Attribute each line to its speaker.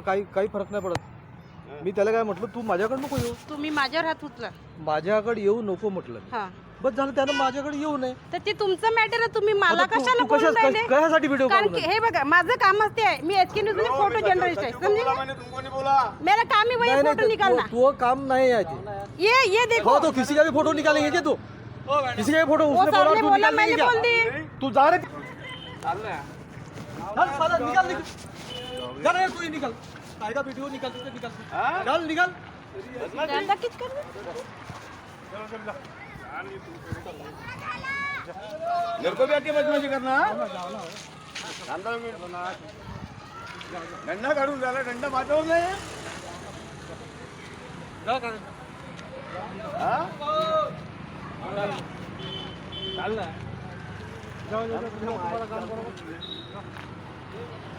Speaker 1: काही काही फरक नाही पडत. मी त्याला काय म्हटलं, तू माझ्याकडे नको येऊ.
Speaker 2: तुम्ही माझ्यावर हात उचला.
Speaker 1: माझ्याकडे येऊ नको म्हटलं.
Speaker 2: हा
Speaker 1: बस झालं, त्यानं माझ्याकडे येऊ नये.
Speaker 2: तर ते तुमचं मॅटर आहे. तुम्ही मला
Speaker 1: आता तू-
Speaker 2: कशाला
Speaker 1: तू
Speaker 2: बोलून राहिले?
Speaker 1: कशासाठी व्हिडिओ
Speaker 2: कारण की हे बघा, माझं कामच ते आहे. मी एचके न्यूज मध्ये फोटो जर्नलिस्ट आहे, समझे? मेरा काम ही वही है, फोटो निकालना.
Speaker 1: तो काम नहीं है जी.
Speaker 2: ये देखो.
Speaker 1: हाँ, तो किसी का भी फोटो निकालेंगे क्या तू? किसी का भी फोटो
Speaker 2: वो
Speaker 1: उसने
Speaker 2: सर
Speaker 1: बोला
Speaker 2: ने
Speaker 1: तू
Speaker 2: बोला,
Speaker 1: निकाल
Speaker 2: मैंने
Speaker 1: लेंगे
Speaker 2: बोल
Speaker 1: क्या?
Speaker 2: दी.
Speaker 1: तू जा रे. चल साला निकाल निकाल. जा रे तू, ही निकाल. कायदा वीडियो निकाल, तुझे निकाल. चल निकाल.
Speaker 2: ज्यादा किच कर रहे?
Speaker 3: मेरे को भी आके बदमाशी करना. डंडा काढून झाला, डंडा वाजवू नये.
Speaker 1: जा काय. चाल ना. जाऊ तुम्हाला काम करू.